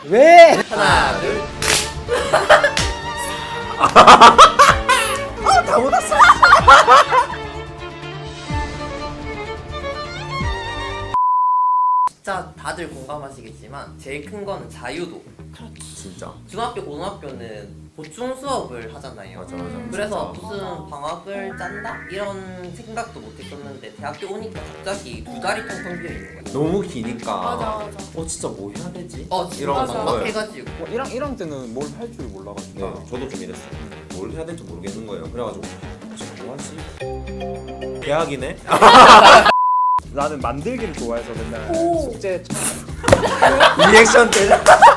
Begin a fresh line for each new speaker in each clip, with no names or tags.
왜?
하나, 둘.
다 묻었어.
진짜 다들 공감하시겠지만 제일 큰 거는 자유도.
진짜.
중학교, 고등학교는 보충 수업을 하잖아요.
맞아.
그래서
진짜.
무슨 방학을 짠다? 이런 생각도 못 했었는데 대학교 오니까 갑자기 두 달이 텅텅 비어 있는 거예요.
너무 기니까.
맞아.
진짜 뭐 해야 되지?
진짜
이런
맞아.
걸.
막막해가지고.
1학 때는 뭘 할 줄 몰라가지고.
네, 저도 좀 이랬어요. 뭘 해야 될지 모르겠는 거예요. 그래가지고 지금 뭐 하지? 대학이네?
나는 만들기를 좋아해서 맨날
오.
숙제
리액션 때.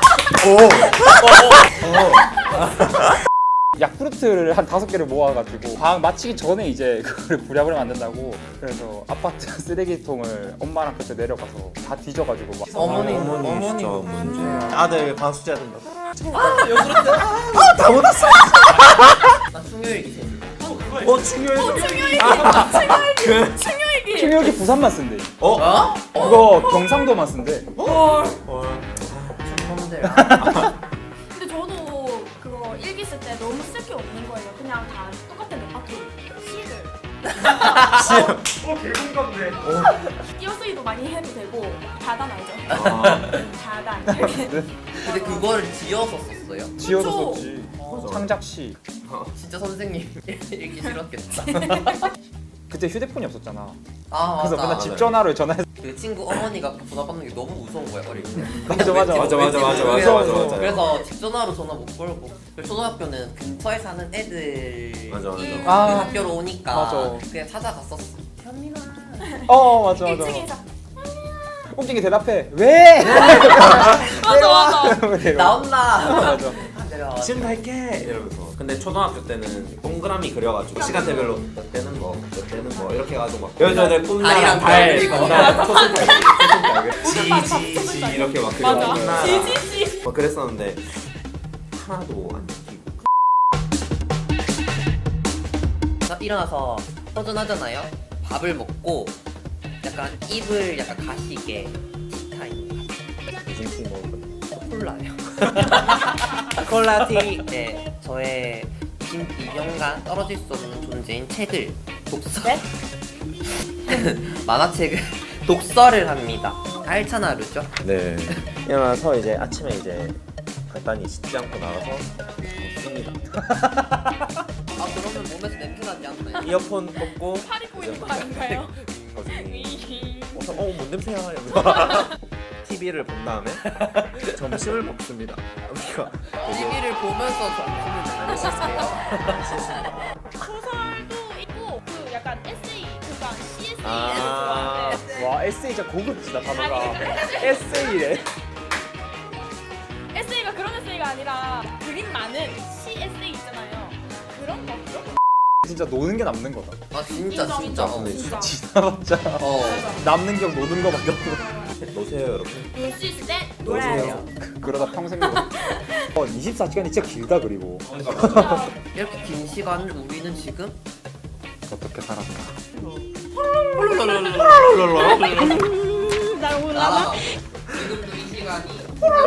야쿠르트를 한 5개를 모아가지고 방학 마치기 전에 이제 그거를 부랴부랴 만든다고. 그래서 아파트 쓰레기통을 엄마랑 그때 내려가서 다 뒤져가지고 막
어머니
진짜 문제. 아들 방숙제야 된다.
다 묻었어.
나 충혈기 생겨.
중요해.
충격이 부산만 쓴대.
어?
그거 경상도만 쓴대.
충범들.
근데 저도 그거 일기 쓸 때 너무 쓸 게 없는 거예요. 그냥 다 똑같은 레파토리. 시를.
개공감네.
띄어쓰기도 많이 해도 되고 자단 알죠? 자단.
근데 그거를 지어서 썼어요?
지어서
그쵸?
썼지.
맞아.
창작시.
진짜 선생님 읽기 싫었겠다.
그때 휴대폰이 없었잖아.
아
그래서
맞아.
맨날 집 전화로 전화해서.
그 친구 어머니가 전화 받는 게 너무 무서운 거야 어릴 때.
맞아, 맞아.
왠지
맞아.
모르겠어. 그래서 집 전화로 전화 못 걸고. 그리고 초등학교는 근처에 사는 애들이
맞아.
아.
학교로 오니까
맞아.
그냥 찾아갔었어. 현민아.
맞아.
1층에서
꽁찡이 대답해. 왜?
맞아.
나온나.
맞아.
내려.
지금 갈게 이러면서. 근데 초등학교 때는 동그라미 그려가지고 시간대별로 몇 때는 몇 때는 이렇게 해가지고 막 여자들
다리랑
달,
달 그리고.
지지지 이렇게 막
맞아.
그려가지고
지지지.
막 그랬었는데 하나도 안 지키고.
일어나서 허전하잖아요. 밥을 먹고 약간 입을 약간 가시게 티타임.
무슨 티 먹을
콜라요. 콜라티. 네, 저의 22년간 떨어질 수 없는 존재인 책을 독서.
네?
만화책을 독서를 합니다. 알찬 하루죠.
네. 일어나서 이제 아침에 이제 간단히 씻지 않고 나가서 먹습니다.
아 그러면 몸에서 냄새 나지 않나요?
이어폰 꽂고
팔이 보이는 거 아닌가요?
뭔 냄새야 이러면서 TV를 본 다음에 점심을 먹습니다. 우리가
TV를 보면서 점심을 먹는 시스템이에요.
소설도 있고 그 약간 에세이 그러니까 CSE
아.
와 에세이 진짜 고급지다 단어가.
아니, 그러니까
에세이래.
에세이가 그런 에세이가 아니라 그림 많은 CSE 있잖아요. 그런 거.
진짜 노는 게 남는 거다.
아 진짜
인정,
진짜.
인정, 진짜.
지나봤자 남는 경 노는 거밖에 없어.
노세요 여러분.
놀 수 있을 때 놀아야 돼요.
그러다 평생 놀아. 24시간이 진짜 길다. 그리고
이렇게 긴 시간을 우리는 지금
어떻게 살았나.
나 오늘
알아. 지금도 이 시간이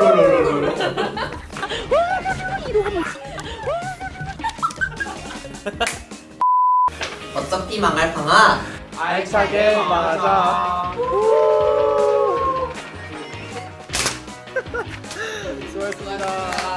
어차피 망할 방학.
알차게 말하자. 수고했습니다.